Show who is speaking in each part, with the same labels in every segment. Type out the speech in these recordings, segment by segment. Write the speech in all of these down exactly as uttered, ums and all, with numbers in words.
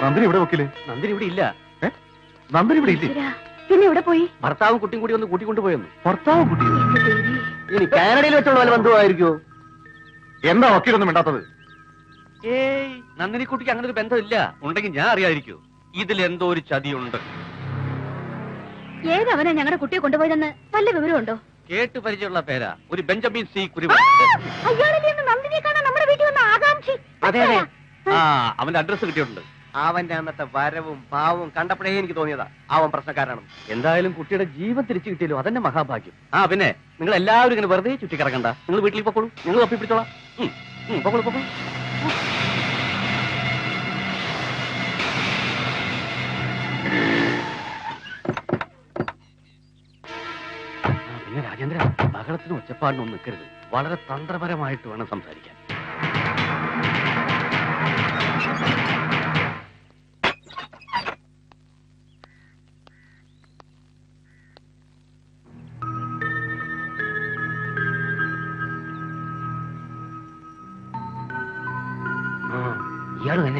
Speaker 1: നന്ദിനി ഇവിടെ വക്കീല്?
Speaker 2: നന്ദിനി ഇവിടെ ഇല്ല.
Speaker 1: നന്ദിനി ഇവിടെ ഇല്ലേ?
Speaker 3: പിന്നെ ഇവിടെ പോയി?
Speaker 2: ഭർത്താവും കുട്ടിയും കൂടി ഒന്ന് കൂട്ടിക്കൊണ്ടുപോയെന്ന്.
Speaker 1: ഭർത്താവും കുട്ടിയും?
Speaker 2: ഇനി കാനഡയിൽ വെച്ചുള്ള വല്ല ബന്ധുവായിരിക്കോ?
Speaker 1: എന്താ വക്കീലൊന്നും വേണ്ടാത്തത്?
Speaker 2: ഏയ്, നന്ദിനി കുട്ടിക്ക് അങ്ങനെ ഒരു ബന്ധമില്ല. ഉണ്ടെങ്കിൽ ഞാൻ അറിയാതിരിക്കൂ. ഇതിൽ എന്തോ ഒരു ചതിയുണ്ട്.
Speaker 3: ഏതവനാ ഞങ്ങളുടെ കുട്ടിയെ കൊണ്ടുപോയതെന്ന് വല്ല വിവരമുണ്ടോ?
Speaker 2: കേട്ട് പരിചയമുള്ള പേരാ, ഒരു ബെഞ്ചമിൻ സി കുരുവ.
Speaker 3: നന്ദിനിയെ കാണാൻ നമ്മുടെ വീട്ടിൽ വന്ന ആകാംക്ഷി.
Speaker 2: അതെ അതെ, ആ അവന്റെ അഡ്രസ് കിട്ടിയിട്ടുണ്ട്. അവന്റെ അന്നത്തെ വരവും ഭാവവും കണ്ടപ്പോഴേ എനിക്ക് തോന്നിയതാ അവൻ പ്രശ്നക്കാരാണ്. എന്തായാലും കുട്ടിയുടെ ജീവൻ തിരിച്ചു കിട്ടിയല്ലോ, അതെന്നെ മഹാഭാഗ്യം. ആ പിന്നെ നിങ്ങൾ എല്ലാവരും ഇങ്ങനെ വെറുതെ ചുറ്റിക്കിടക്കണ്ട. നിങ്ങൾ വീട്ടിൽ പൊക്കോളൂ, നിങ്ങൾ തപ്പി പിടിച്ചോളാം. പൊക്കോളൂ പൊക്കോളൂ. പിന്നെ രാജേന്ദ്ര, ബഹളത്തിനും ഒച്ചപ്പാടിനും ഒന്നും നിൽക്കരുത്. വളരെ തന്ത്രപരമായിട്ട് വേണം സംസാരിക്കാൻ. ഇയാള് തന്നെ.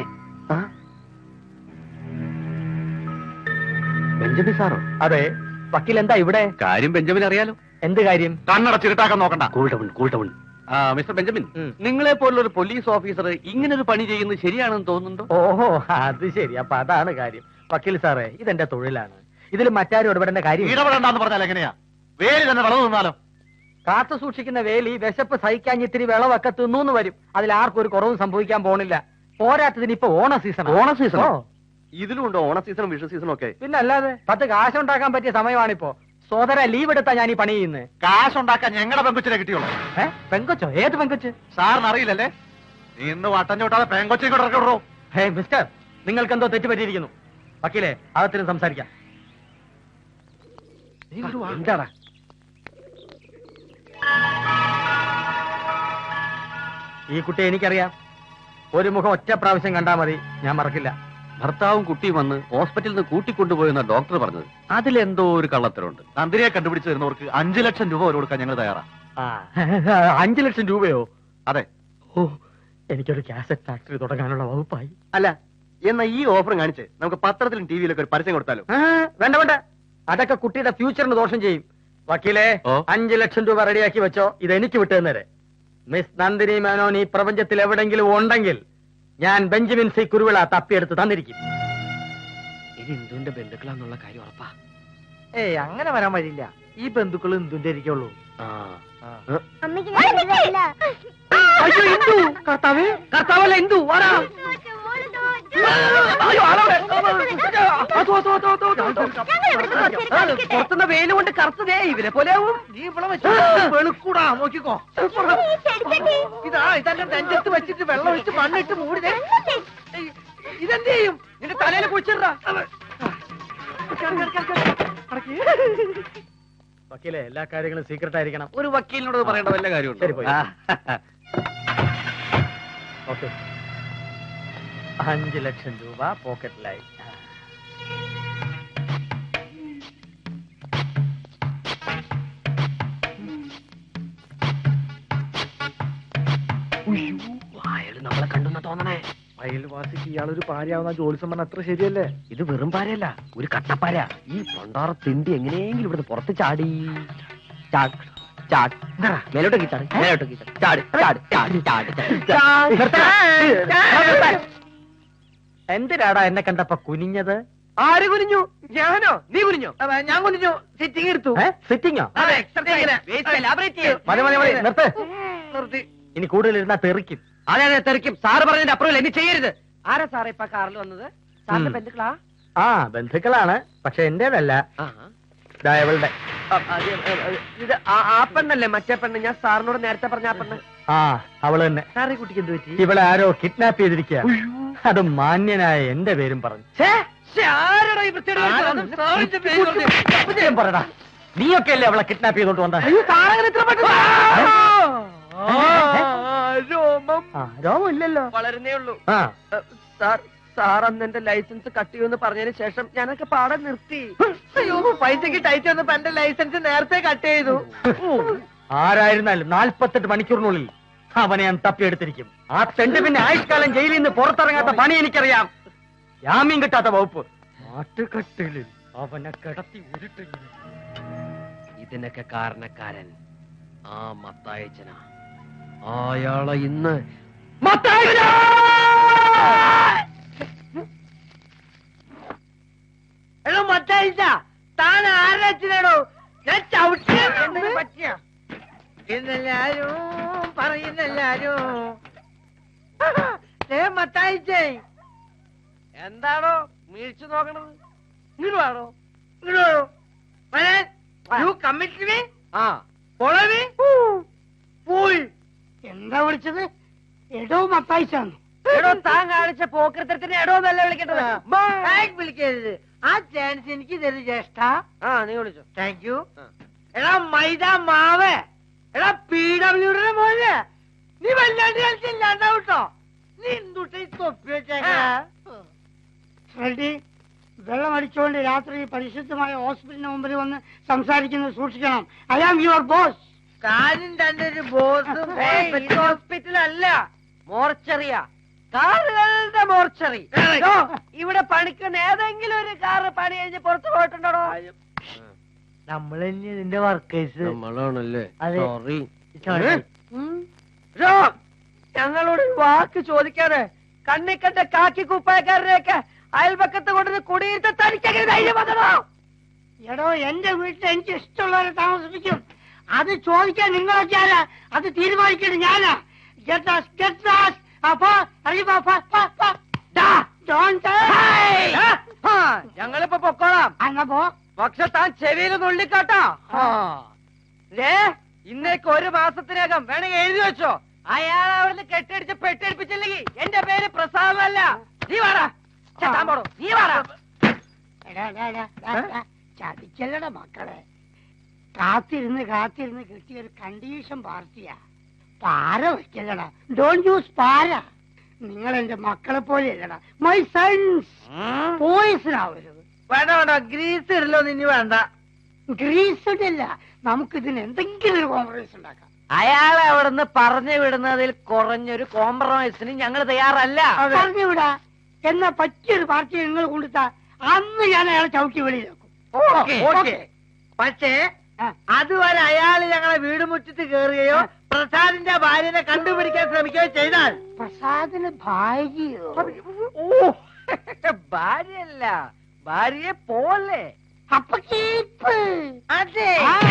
Speaker 2: ബെഞ്ചമിൻ സാറോ?
Speaker 4: അതെ. വക്കീൽ എന്താ ഇവിടെ?
Speaker 2: കാര്യം ബെഞ്ചമിൻ അറിയാലോ.
Speaker 4: എന്ത് കാര്യം?
Speaker 1: കണ്ണടച്ചിട്ടാക്കാൻ നോക്കണ്ട.
Speaker 2: കൂൾട്ടവൺ കൂൾട്ടവൺ. ആ മിസ്റ്റർ ബെഞ്ചമിൻ, നിങ്ങളെ പോലുള്ള ഒരു പോലീസ് ഓഫീസർ ഇങ്ങനെ ഒരു പണി ചെയ്യുന്നത് ശരിയാണെന്ന് തോന്നുന്നുണ്ടോ?
Speaker 4: ഓഹോ, അത് ശരി. അപ്പൊ അതാണ് കാര്യം. വക്കീൽ സാറേ, ഇതെന്റെ തൊഴിലാണ്. ഇതിൽ മറ്റാരും ഇടപെടേണ്ട കാര്യം.
Speaker 1: ഇടപെടണ്ടെന്ന് പറഞ്ഞാൽ എങ്ങനെയാ? വേലി തന്നെ വളർന്നു നിന്നാലോ?
Speaker 4: കാത്തു സൂക്ഷിക്കുന്ന വേലി വിശപ്പ് സഹിക്കാൻ ഇത്തിരി വിളവൊക്കെ തിന്നൂന്ന് വരും. അതിൽ ആർക്കും ഒരു കുറവും സംഭവിക്കാൻ പോണില്ല. പോരാത്തതിന് ഇപ്പൊ ഓണ സീസൺ.
Speaker 2: ഓണ സീസണോ? ഇതിലും ഉണ്ടോ ഓണ സീസണും വിഷു സീസണും ഒക്കെ?
Speaker 4: പിന്നെ അല്ലാതെ പത്ത് കാശുണ്ടാക്കാൻ പറ്റിയ സമയമാണിപ്പോ. സോദര ലീവ് എടുത്താ ഞാൻ ഈ പണി ചെയ്യുന്നത്.
Speaker 1: കാശുണ്ടാക്കാൻ ഞങ്ങളുടെ പെങ്കൊച്ചിനെ കിട്ടിയുള്ളൂ.
Speaker 4: ഏഹ്, പെങ്കൊച്ചോ? ഏത് പെങ്കൊച്ച്?
Speaker 1: സാറിന് അറിയില്ലല്ലേ? നീ ഇന്ന് വട്ടം ചോട്ടാതെ പെങ്കൊച്ചിനെ കൂടെ ഇറക്കി വിടറോ?
Speaker 4: ഹേ മിസ്റ്റർ, നിങ്ങൾക്ക് എന്തോ തെറ്റ് പറ്റിയിരിക്കുന്നു. വക്കീലെ, അകത്തിനും സംസാരിക്കാം.
Speaker 2: എന്താടാ?
Speaker 4: ഈ കുട്ടിയെ എനിക്കറിയാം. ഒരു മുഖം ഒറ്റ പ്രാവശ്യം കണ്ടാ മതി, ഞാൻ മറക്കില്ല.
Speaker 2: ഭർത്താവും കുട്ടിയും വന്ന് ഹോസ്പിറ്റലിൽ നിന്ന് കൂട്ടിക്കൊണ്ടുപോയെന്ന ഡോക്ടർ പറഞ്ഞത്. അതിലെന്തോ ഒരു കള്ളത്തരമുണ്ട്.
Speaker 1: നന്ദിനിയെ കണ്ടുപിടിച്ച് തരുന്നവർക്ക് അഞ്ചു ലക്ഷം രൂപ വരെ കൊടുക്കാൻ ഞങ്ങൾ തയ്യാറാ.
Speaker 4: അഞ്ചു ലക്ഷം രൂപയോ?
Speaker 1: അതെ.
Speaker 4: ഓ, എനിക്കൊരു കാസറ്റ് ഫാക്ടറി തുടങ്ങാനുള്ള വകുപ്പായി.
Speaker 2: അല്ല, എന്നാ ഈ ഓഫർ കാണിച്ച് നമുക്ക് പത്രത്തിലും ടി വിയിലൊക്കെ ഒരു പരസ്യം കൊടുത്താലോ?
Speaker 4: വേണ്ട വേണ്ട, അതൊക്കെ കുട്ടിയുടെ ഫ്യൂച്ചറിന് ദോഷം ചെയ്യും. വക്കീലെ, അഞ്ചു ലക്ഷം രൂപ റെഡിയാക്കി വെച്ചോ. ഇത് എനിക്ക് വിട്ടുതന്നേരെ. മിസ് നന്ദിനി മേനോൻ ഈ പ്രപഞ്ചത്തിൽ എവിടെങ്കിലും ഉണ്ടെങ്കിൽ ഞാൻ ബെഞ്ചമിൻ സി കുരുവിള തപ്പിയെടുത്ത് തന്നിരിക്കും.
Speaker 2: ഇത് ഇന്ദുവിന്റെ ബന്ധുക്കളാന്നുള്ള കാര്യം ഉറപ്പാ?
Speaker 4: ഏയ്, അങ്ങനെ വരാൻ വഴിയില്ല. ഈ ബന്ധുക്കൾ ഇന്ദുന്റെ ഇരിക്കുള്ളൂ. കർത്താവേ, കർത്താവല്ല ഇന്ദു. പുറത്തുനിന്ന് വെയില് കൊണ്ട് കറുത്തതേ ഇവരെ പോലെയാവും. നീ ഇവിടെ വെച്ച് വെളുക്കൂടാ, നോക്കിക്കോ. ഇതാ ഇതെല്ലാം നെഞ്ചത്ത് വെച്ചിട്ട് വെള്ളം ഒഴിച്ച് മണ്ണിട്ട് മൂടിതേ. ഇതെന്ത് ചെയ്യും? നിന്റെ തലയിൽ കുഴിച്ചിടാ. വക്കീലെ, എല്ലാ കാര്യങ്ങളും സീക്രട്ട് ആയിരിക്കണം.
Speaker 2: ഒരു വക്കീലിനോട് പറയേണ്ട വല്ല കാര്യമുണ്ട്?
Speaker 4: ശരി, പോയി. ഓക്കെ, അഞ്ചു ലക്ഷം രൂപ പോക്കറ്റിലായി.
Speaker 2: അയാള് നമ്മളെ കണ്ടെന്ന് തോന്നണേ.
Speaker 4: അയൽവാസിക്ക് ഇയാളൊരു പാരയാവുന്ന ജോലിസം പറഞ്ഞ അത്ര ശരിയല്ലേ?
Speaker 2: ഇത് വെറും പാരയല്ല, ഒരു കട്ടപ്പാര. ഈ പണ്ടാറ തിണ്ടി എങ്ങനെയെങ്കിലും ഇവിടുന്ന് പുറത്ത് ചാടി മേലോട്ടേക്ക് ചാടി മേലോട്ടേക്ക് ചാടി ചാടി ചാടി ചാടി.
Speaker 4: എന്തിനാടാ എന്നെ കണ്ടപ്പോ കുനിഞ്ഞത്?
Speaker 2: ആര് കുനിഞ്ഞു? ഞാനോ? നീ കുനിഞ്ഞോ?
Speaker 4: ഞാൻ കുനിഞ്ഞു. സിറ്റിംഗ് എടുത്തു. സിറ്റിംഗോ? മതി മതി മതി, നിർത്ത്.
Speaker 2: നിർത്തി.
Speaker 4: ഇനി കൂടുതൽ ഇരുന്നാ തെറിക്കും.
Speaker 2: അതെ അതെ, തെറിക്കും. സാറ് പറഞ്ഞതിന്റെ അപ്പുറം എന്നെ ചെയ്യരുത്. ആരാ സാറേ ഇപ്പൊ കാറിൽ വന്നത്? സാറിന്റെ ബന്ധുക്കളാ?
Speaker 4: ആ, ബന്ധുക്കളാണ്. പക്ഷെ എന്റേതല്ല, ഇവളുടെ.
Speaker 2: ഇത് ആ പെണ്ണല്ലേ? മറ്റേ പെണ്ണ്, ഞാൻ സാറിനോട് നേരത്തെ പറഞ്ഞ ആ പെണ്ണ്.
Speaker 4: ആ, അവള് തന്നെ.
Speaker 2: സാറേ, കുട്ടിക്ക് എന്ത് പറ്റി?
Speaker 4: ഇവളെ ആരോ കിഡ്നാപ്പ് ചെയ്തിരിക്കുക. അത് മാന്യനായ എന്റെ പേരും പറഞ്ഞു. പറടാ, നീയൊക്കെ അല്ലേ അവളെ കിഡ്നാപ്പ് ചെയ്തോണ്ട് വന്ന? രോമം ഇല്ലല്ലോ,
Speaker 2: വളരുന്നേ ഉള്ളൂ. സാർ സാർ അന്ന് എന്റെ ലൈസൻസ് കട്ട് ചെയ്യുമെന്ന് പറഞ്ഞതിന് ശേഷം ഞാനൊക്കെ പാടെ നിർത്തി. അയ്യോ, പൈസക്ക് ടൈറ്റ് വന്നപ്പോ എന്റെ ലൈസൻസ് നേരത്തെ കട്ട് ചെയ്തു.
Speaker 4: ആരായിരുന്നാലും നാൽപ്പത്തെട്ട് മണിക്കൂറിനുള്ളിൽ അവനെ ഞാൻ തപ്പിയെടുത്തിരിക്കും. ആ തെണ്ട് പിന്നെ ആയുഷ്കാലം ജയിലിൽ നിന്ന് പുറത്തിറങ്ങാത്ത പണി എനിക്കറിയാം. ജാമ്യം കിട്ടാത്ത വകുപ്പ്. നാട്ടുകെട്ടിലിൽ അവനെ കിടത്തി ഉരുട്ടിങ്ങനെ.
Speaker 2: ഇതിനൊക്കെ കാരണക്കാരൻ ആ മത്തായച്ചന. അയാളെ ഇന്ന് മത്തായച്ചനാ!
Speaker 5: എടോ മത്തായിച്ച, താൻ ആരോ ഞാൻ ചവിട്ടിയ പറ്റിയ എന്നെല്ലാരും പറയുന്നെല്ലാരും മത്തായിച്ചേ.
Speaker 2: എന്താണോ വീഴ്ച നോക്കണത്? ഇങ്ങോട്ട് വേണോ? ആ
Speaker 5: പോയി എന്താ വിളിച്ചത്? എടോ മത്തായിച്ചാന്ന്.
Speaker 2: എടോ, താൻ കാണിച്ച പോക്കൃത്തരത്തിന് എടോ എന്നല്ല വിളിക്കേണ്ടത്.
Speaker 5: വിളിക്കരുത്. ആ ചാൻസ് എനിക്ക് തരും ജ്യേഷ്ഠ.
Speaker 2: ആ, നീ വിളിച്ചോ.
Speaker 5: Thank you. എടാ മൈദ മാവ്, എടാ പി ഡബ്ല്യൂടെ പോലെ നീ വല്ലാണ്ട് കളിച്ചില്ലാണ്ടാവട്ടോ. നീ എന്തുട്ട തൊപ്പി വെച്ചേക്കാ? ഫ്രെഡി, വെള്ളം അടിച്ചുകൊണ്ട് രാത്രി പരിശുദ്ധമായ ഹോസ്പിറ്റലിന് മുമ്പിൽ വന്ന് സംസാരിക്കുന്നത് സൂക്ഷിക്കണം. I am your boss. കാര്യം തന്റെ ഒരു ബോസ്.
Speaker 2: ഹോസ്പിറ്റൽ അല്ല, മോർച്ചറിയാ. കാറുകളുടെ മോർച്ചറി. ഇവിടെ പണിക്കുന്ന ഏതെങ്കിലും ഒരു കാറ് പണി കഴിഞ്ഞ് പുറത്തു പോയിട്ടുണ്ടോ?
Speaker 5: നമ്മൾ തന്നെ ഇതിന്റെ വർക്കേഴ്സ്.
Speaker 2: നമ്മളാണല്ലേ?
Speaker 5: അതെ.
Speaker 2: സോറി. ഞങ്ങളോട് വാക്ക് ചോദിക്കാതെ കണ്ണി കണ്ട കാക്കി കുപ്പായക്കാരനെയൊക്കെ അയൽപക്കത്ത് കൊണ്ടുവന്ന് കുടിയിരുത്ത തനിക്കങ്ങനെ ധൈര്യം വന്നോ?
Speaker 5: എടോ, എന്റെ വീട്ടിൽ എനിക്ക് ഇഷ്ടമുള്ളവരെ താമസിപ്പിക്കും. അത് ചോദിക്കാൻ നിങ്ങളൊക്കെ ആരാ? അത് തീരുമാനിക്കേണ്ടത് ഞാനാ. Get us, get us. അപ്പൊ
Speaker 2: ഞങ്ങളിപ്പോ പൊക്കോളാം.
Speaker 5: അങ്ങപ്പോ
Speaker 2: പക്ഷെ താൻ ചെവിയിൽ നുള്ളിക്കാട്ടോ. ഇന്നേക്ക് ഒരു മാസത്തിനകം വേണമെങ്കിൽ എഴുതി വെച്ചോ. അയാൾ അവിടുന്ന് കെട്ടടിച്ച് പെട്ടടിപ്പിച്ചില്ലെങ്കിൽ എന്റെ പേര് പ്രസാദമല്ല. നീ വാടാ. താൻ പോടോ. നീ വാടാ.
Speaker 5: ചതിക്കല്ലട മക്കളെ. കാത്തിരുന്ന് കാത്തിരുന്ന് കിട്ടിയ ഒരു കണ്ടീഷൻ പാർട്ടിയാ. പാര വെക്കല്ലടാ. ഡോണ്ട് യൂസ് പാര. നിങ്ങൾ എന്റെ മക്കളെ പോലെ അല്ലടാ. My sons. പോയിസൺ ആവരുത്.
Speaker 2: വേണ്ട വേണ്ട, ഗ്രീസ് ഇടലോ നിന്നി വേണ്ട.
Speaker 5: ഗ്രീസ് ഇടില്ല. നമുക്ക് ഇതിന് എന്തെങ്കിലും ഒരു കോംപ്രമൈസ് ഉണ്ടാക്കാം.
Speaker 2: അയാളെ അവിടുന്ന് പറഞ്ഞു വിടുന്നതിൽ കുറഞ്ഞൊരു കോംപ്രമൈസിന് ഞങ്ങൾ തയ്യാറല്ല.
Speaker 5: പറഞ്ഞുവിടാ. എന്നാ പറ്റിയൊരു പാർട്ടി നിങ്ങൾ കൊണ്ടുത്താ അന്ന് ഞാൻ അയാളെ ചവിട്ടി വെളിയിലാക്കും.
Speaker 2: പക്ഷേ അതുവരെ അയാൾ ഞങ്ങളെ വീട് മുറ്റത്ത് കയറുകയോ പ്രസാദിന്റെ ഭാര്യനെ കണ്ടുപിടിക്കാൻ ശ്രമിക്കുകയോ ചെയ്താൽ
Speaker 5: പ്രസാദിന് ഭാര്യയോ?
Speaker 2: ഭാര്യയല്ല, ഭാര്യയെ പോലെ.
Speaker 5: അപ്പൊ കീപ്പ്.
Speaker 2: അതെ.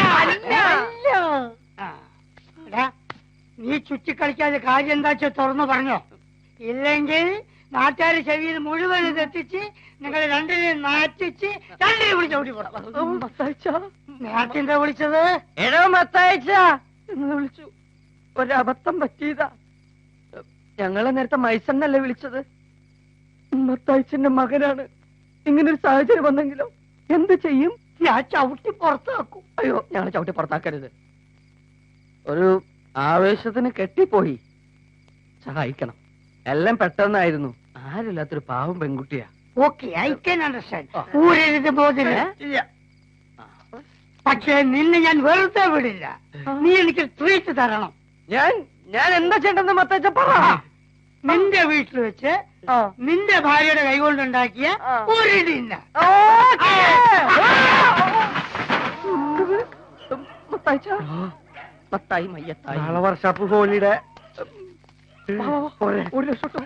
Speaker 5: നീ ചുറ്റിക്കളിക്കാതെ കാര്യം എന്താ വെച്ചാൽ തുറന്നു പറഞ്ഞോ. ഇല്ലെങ്കിൽ നാട്ടുകാരെ ചെവിയിൽ മുഴുവൻ ഇതെത്തിച്ച് നിങ്ങൾ രണ്ടിനെയും നാറ്റിച്ച് രണ്ടിനെ വിളിച്ച് ഓടി പോടാം. നേരത്തെ എന്താ വിളിച്ചത്?
Speaker 2: എടോ മത്തായിച്ച എന്ന് വിളിച്ചു. ഒരബദ്ധം പറ്റിയതാ. ഞങ്ങളെ നേരത്തെ മൈസണ്ണല്ലേ വിളിച്ചത്? മത്തായിച്ചന്റെ മകനാണ്. ഇങ്ങനൊരു സാഹചര്യം വന്നെങ്കിലോ എന്ത് ചെയ്യും?
Speaker 5: ഞാൻ ചവിട്ടി പുറത്താക്കും.
Speaker 2: അയ്യോ, ഞങ്ങളെ ചവിട്ടി പുറത്താക്കരുത്. ഒരു ആവേശത്തിന് കെട്ടിപ്പോയി. സഹായിക്കണം. എല്ലാം പെട്ടെന്നായിരുന്നു. ആരില്ലാത്തൊരു പാവം പെൺകുട്ടിയാ.
Speaker 5: Okay, I can understand. ഊരരുത് ബോധന. പക്ഷേ നിന്നെ ഞാൻ വെറുതെ വിടില്ല. നീ എനിക്ക് ട്രീറ്റ് തരണം.
Speaker 2: ഞാൻ ഞാൻ എന്താ ചെയ്യണ്ടെന്ന് മത്തച്ച പറ.
Speaker 5: നിന്റെ വീട്ടിൽ വെച്ച് നിന്റെ ഭാര്യയുടെ കൈകൊണ്ടുണ്ടാക്കിയ ഒരു ഡിന്ന
Speaker 2: മത്തായി മയ്യത്തായി
Speaker 4: നാളെ വർഷാപ്പ് ഹോളിയുടെ
Speaker 2: ഒരു ലക്ഷം